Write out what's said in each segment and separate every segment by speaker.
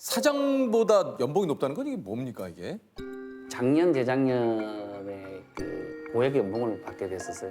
Speaker 1: 사장보다 연봉이 높다는 건 이게 뭡니까 이게?
Speaker 2: 작년 재작년에 그 고액 연봉을 받게 됐었어요.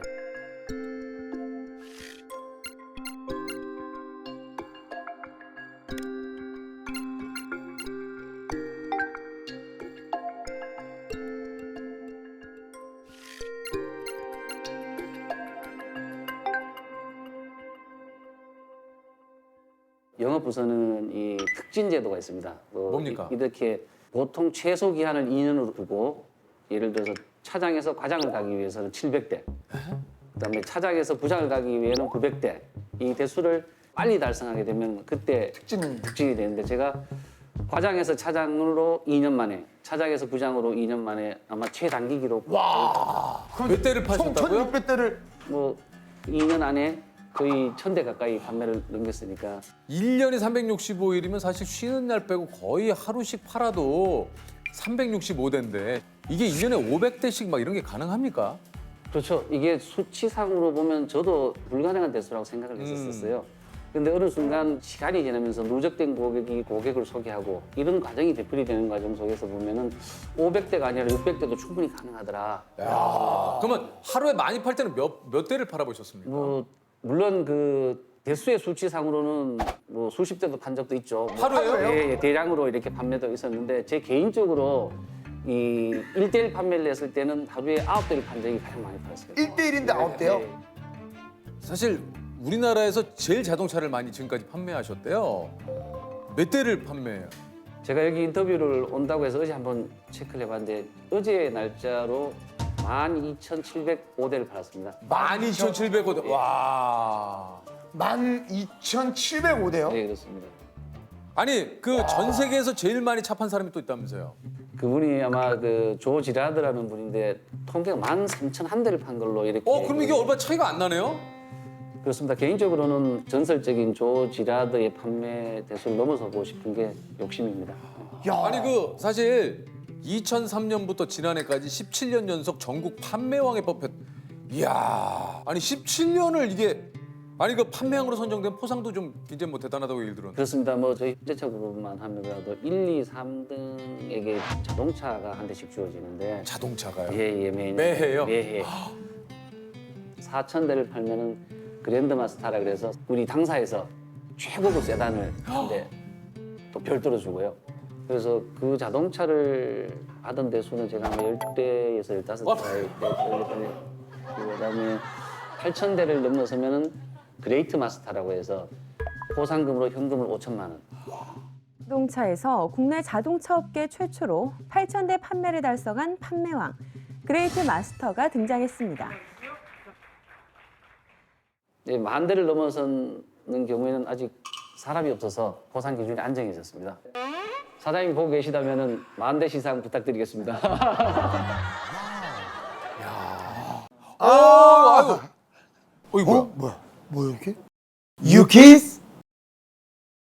Speaker 2: 영업부서는 이 특진 제도가 있습니다.
Speaker 1: 뭡니까?
Speaker 2: 이렇게 보통 최소 기한을 2년으로 두고 예를 들어서 차장에서 과장을 가기 위해서는 700대, 그다음에 차장에서 부장을 가기 위해서는 900대. 이 대수를 빨리 달성하게 되면 그때 특진이 되는데 제가 과장에서 차장으로 2년 만에, 차장에서 부장으로 2년 만에 아마 최단기 기록.
Speaker 3: 와.
Speaker 1: 몇 대를
Speaker 3: 총
Speaker 1: 파셨다고요?
Speaker 3: 1,600대를.
Speaker 2: 뭐 2년 안에 거의 1,000대 가까이 판매를 넘겼으니까.
Speaker 1: 1년이 365일이면 사실 쉬는 날 빼고 거의 하루씩 팔아도 365대인데 이게 1년에 500대씩 막 이런 게 가능합니까?
Speaker 2: 그렇죠. 이게 수치상으로 보면 저도 불가능한 대수라고 생각을 했었어요. 근데 어느 순간 시간이 지나면서 누적된 고객이 고객을 소개하고 이런 과정이 되풀이되는 과정 속에서 보면은 500대가 아니라 600대도 충분히 가능하더라.
Speaker 1: 그러면 하루에 많이 팔 때는 몇 대를 팔아보셨습니까?
Speaker 2: 뭐 물론 그 대수의 수치상으로는 뭐 수십 대도 판 적도 있죠. 뭐
Speaker 1: 하루에요?
Speaker 2: 예, 대량으로 이렇게 판매도 있었는데 제 개인적으로 이 1대1 판매를 했을 때는 하루에 9대를 판 적이 가장 많이 팔았어요.
Speaker 3: 1대1인데 9대요?
Speaker 2: 예.
Speaker 1: 사실 우리나라에서 제일 자동차를 많이 지금까지 판매하셨대요. 몇 대를 판매해요?
Speaker 2: 제가 여기 인터뷰를 온다고 해서 어제 한번 체크를 해봤는데 어제 날짜로 12,705대를 팔았습니다.
Speaker 1: 12,700대. 와.
Speaker 3: 12,705대요?
Speaker 2: 네, 그렇습니다.
Speaker 1: 아니 그 전 세계에서 제일 많이 차 판 사람이 또 있다면서요?
Speaker 2: 그분이 아마 그 조 지라드라는 분인데 통계가 13,001대를 판 걸로 이렇게.
Speaker 1: 그럼 이게 얼마 차이가 안 나네요?
Speaker 2: 그렇습니다. 개인적으로는 전설적인 조 지라드의 판매 대수를 넘어서고 싶은 게 욕심입니다.
Speaker 3: 야.
Speaker 1: 아니 그 사실 2003년부터 지난해까지 17년 연속 전국 판매왕에 뽑혔. 이야. 아니 17년을 이게 아니 그 판매왕으로 선정된 포상도 좀 굉장히 뭐 대단하다고 얘기 들었는데.
Speaker 2: 그렇습니다. 뭐 저희 현대차 그룹만 하더라도 1, 2, 3등에게 자동차가 한 대씩 주어지는데
Speaker 1: 자동차가요?
Speaker 2: 예, 매년.
Speaker 1: 매해요?
Speaker 2: 매해. 4,000대를 팔면은 그랜드마스터라 그래서 우리 당사에서 최고급 세단을 한대 또 별도로 주고요. 그래서 그 자동차를 하던 대수는 제가 아마 10대에서 15대, 그다음에 8,000대를 넘어서면은 그레이트 마스터라고 해서 포상금으로 현금을 5천만 원.
Speaker 4: 자동차에서 국내 자동차 업계 최초로 8,000대 판매를 달성한 판매왕 그레이트 마스터가 등장했습니다.
Speaker 2: 네, 10,000대를 넘어서는 경우에는 아직 사람이 없어서 포상 기준이 안정해졌습니다. 사장님 보고 계시다면은 10,000대 시상 부탁드리겠습니다.
Speaker 1: 아유. 이거 뭐야?
Speaker 3: 뭐야 이렇게? You kiss?